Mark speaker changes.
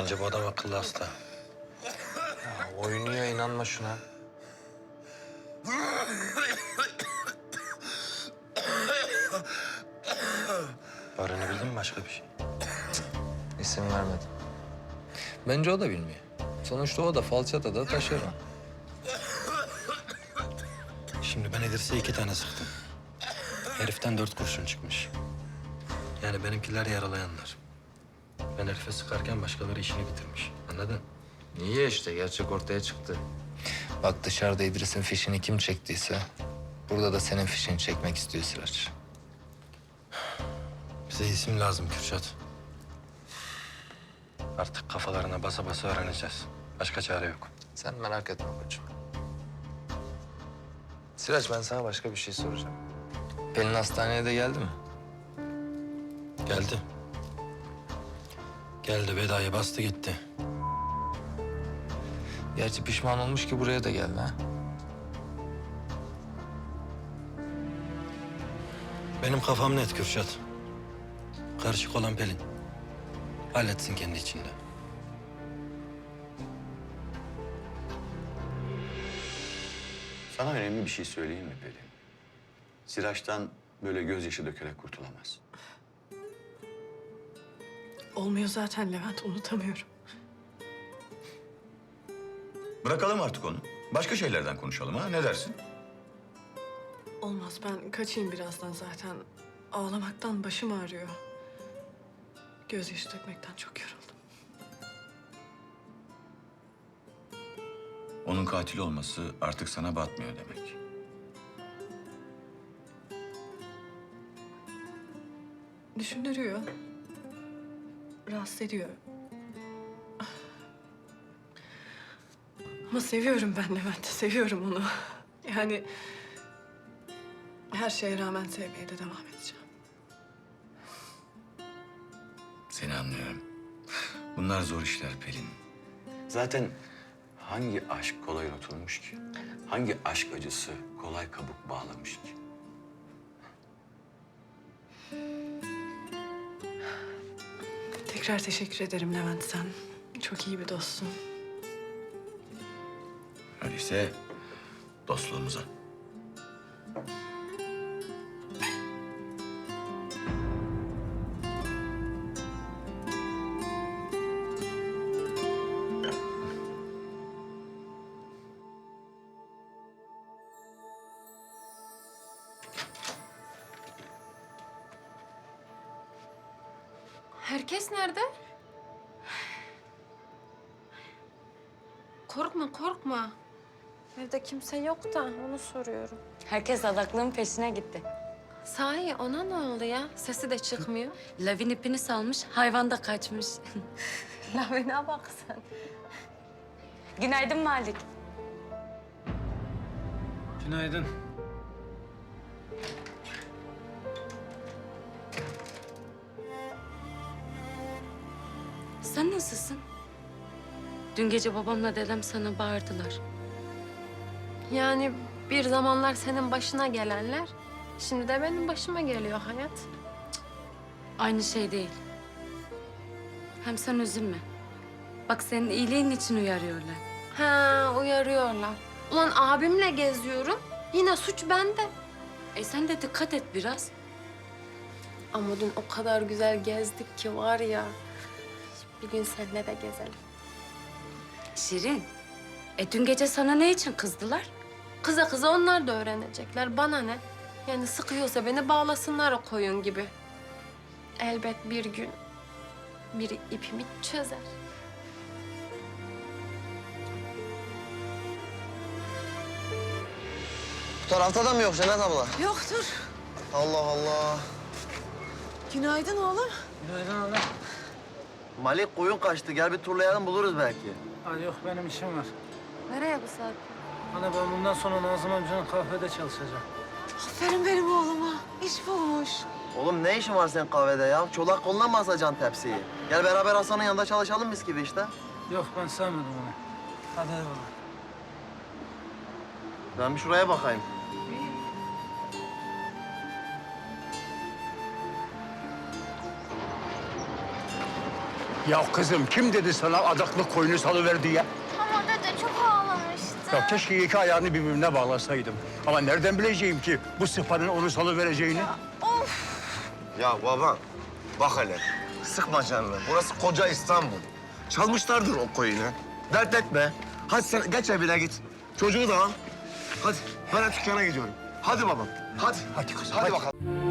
Speaker 1: Bence bu adam akıllı hasta.
Speaker 2: Ya oynuyor, inanma şuna.
Speaker 1: Öğrenebildin mi başka bir şey?
Speaker 2: İsim vermedim. Bence o da bilmiyor. Sonuçta o da falçatada taşeron.
Speaker 1: Şimdi ben İdris'e 2 tane sıktım. Heriften 4 kurşun çıkmış. Yani benimkiler yaralayanlar. Ben herife sıkarken başkaları işini bitirmiş. Anladın?
Speaker 2: Niye işte, gerçek ortaya çıktı. Bak dışarıda İdris'in fişini kim çektiyse... ...burada da senin fişini çekmek istiyor Sıraç.
Speaker 1: Bize isim lazım Kürşat. Artık kafalarına basa basa öğreneceğiz. Başka çare yok.
Speaker 2: Sen merak etme koçum. Sıraç, ben sana başka bir şey soracağım. Pelin hastaneye de geldi mi?
Speaker 1: Geldi. Geldi, vedayı bastı gitti.
Speaker 2: Gerçi pişman olmuş ki buraya da geldi ha.
Speaker 1: Benim kafam net Kürşat. Karışık olan Pelin. Halletsin kendi içinde.
Speaker 3: Sana önemli bir şey söyleyeyim mi Pelin? Siraç'tan böyle gözyaşı dökerek kurtulamaz.
Speaker 4: Olmuyor zaten Levent, unutamıyorum.
Speaker 3: Bırakalım artık onu. Başka şeylerden konuşalım ha, ne dersin?
Speaker 4: Olmaz, ben kaçayım birazdan zaten. Ağlamaktan başım ağrıyor. Gözyaşı dökmekten çok yoruldum.
Speaker 3: Onun katil olması artık sana batmıyor demek.
Speaker 4: Düşündürüyor. Rahatsız ediyor. Ama seviyorum ben Levent'i, seviyorum onu. Yani her şeye rağmen sevmeye de devam edeceğim.
Speaker 3: Seni anlıyorum. Bunlar zor işler Pelin. Zaten hangi aşk kolay unutulmuş ki? Hangi aşk acısı kolay kabuk bağlamış ki?
Speaker 4: Tekrar teşekkür ederim Levent, sen çok iyi bir dostsun.
Speaker 3: Öyleyse dostluğumuza.
Speaker 5: Herkes nerede? Korkma, korkma. Evde kimse yok da onu soruyorum.
Speaker 6: Herkes adaklığın peşine gitti.
Speaker 5: Sahi ona ne oldu ya? Sesi de çıkmıyor.
Speaker 6: Lavin ipini salmış, hayvan da kaçmış.
Speaker 5: Lavine bak sen.
Speaker 6: Günaydın Malik.
Speaker 1: Günaydın.
Speaker 6: Sen nasılsın? Dün gece babamla dedem sana bağırdılar.
Speaker 5: Yani bir zamanlar senin başına gelenler, şimdi de benim başıma geliyor hayat.
Speaker 6: Aynı şey değil. Hem sen üzülme. Bak senin iyiliğin için uyarıyorlar.
Speaker 5: Ha, uyarıyorlar. Ulan abimle geziyorum, yine suç bende.
Speaker 6: Sen de dikkat et biraz.
Speaker 5: Ama dün o kadar güzel gezdik ki var ya. Bir gün seninle de gezelim.
Speaker 6: Şirin, dün gece sana ne için kızdılar?
Speaker 5: Kıza kıza onlar da öğrenecekler. Bana ne? Yani sıkıyorsa beni bağlasınlar o koyun gibi. Elbet bir gün biri ipimi çözer.
Speaker 7: Bu tarafta da mı yok Cennet abla?
Speaker 4: Yoktur.
Speaker 7: Allah Allah.
Speaker 4: Günaydın oğlum.
Speaker 8: Günaydın ana.
Speaker 7: Malik koyun kaçtı. Gel bir turlayalım buluruz belki.
Speaker 8: Aa, yok benim işim var.
Speaker 5: Nereye bu saatte?
Speaker 8: Ana ben bundan sonra Nazım amcanın kahvede çalışacağım.
Speaker 4: Aferin benim oğluma. İş bulmuş.
Speaker 7: Oğlum ne işin var senin kahvede ya? Çolak koluna mı asacaksın tepsiyi? Gel beraber Hasan'ın yanında çalışalım mis gibi işte.
Speaker 8: Yok ben sevmedim onu. Hadi eyvallah.
Speaker 7: Ben bir şuraya bakayım.
Speaker 9: Ya kızım kim dedi sana adaklı koyunu salıver diye?
Speaker 10: Ama dede çok ağlamıştı.
Speaker 9: Ya keşke iki ayağını birbirine bağlasaydım. Ama nereden bileceğim ki bu sıfanın onu salıvereceğini?
Speaker 7: Ya baba, bak hele. Sıkma canını. Burası koca İstanbul. Çalmışlardır o koyunu. Dert etme. Hadi sen geç evine git. Çocuğu da al. Hadi, ben dükkana gidiyorum. Hadi babam, hadi.
Speaker 9: Hadi kızım,
Speaker 7: Hadi
Speaker 9: hadi.
Speaker 7: bakalım.